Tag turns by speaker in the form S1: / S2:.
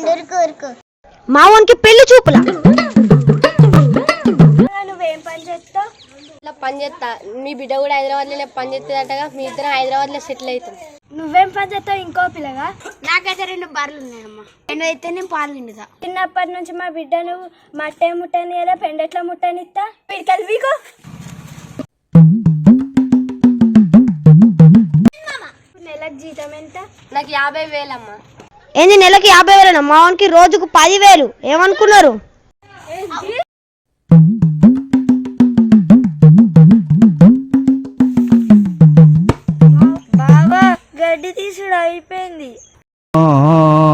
S1: మావానికి పెళ్లి చూపుల.
S2: నువ్వేం పని చేస్తావు?
S3: ఇట్లా పని చేస్తా. మీ బిడ్డ కూడా హైదరాబాద్లోనే పని చేస్తుందటగా. మీ ఇద్దరం హైదరాబాద్లో సెటిల్ అవుతాం.
S2: నువ్వేం పని చేస్తావు? ఇంకో పిల్లగా?
S4: నాకైతే 2 బర్రెలు ఉన్నాయమ్మా. 2 అయితే నేను పాలు పిండుతా.
S2: చిన్నప్పటి నుంచి మా బిడ్డ నువ్వు మట్టే ముట్టని కదా, పెండెట్లా ముట్టనిస్తా? పిడికలు వీకు. నెలకు జీతం ఎంత?
S3: నాకు 50,000 అమ్మా.
S1: ఏంది నెలకి 50,000? మావానికి రోజుకు 10,000. ఏమనుకున్నారు?
S2: బాబా గడ్డి తీసుడు అయిపోయింది.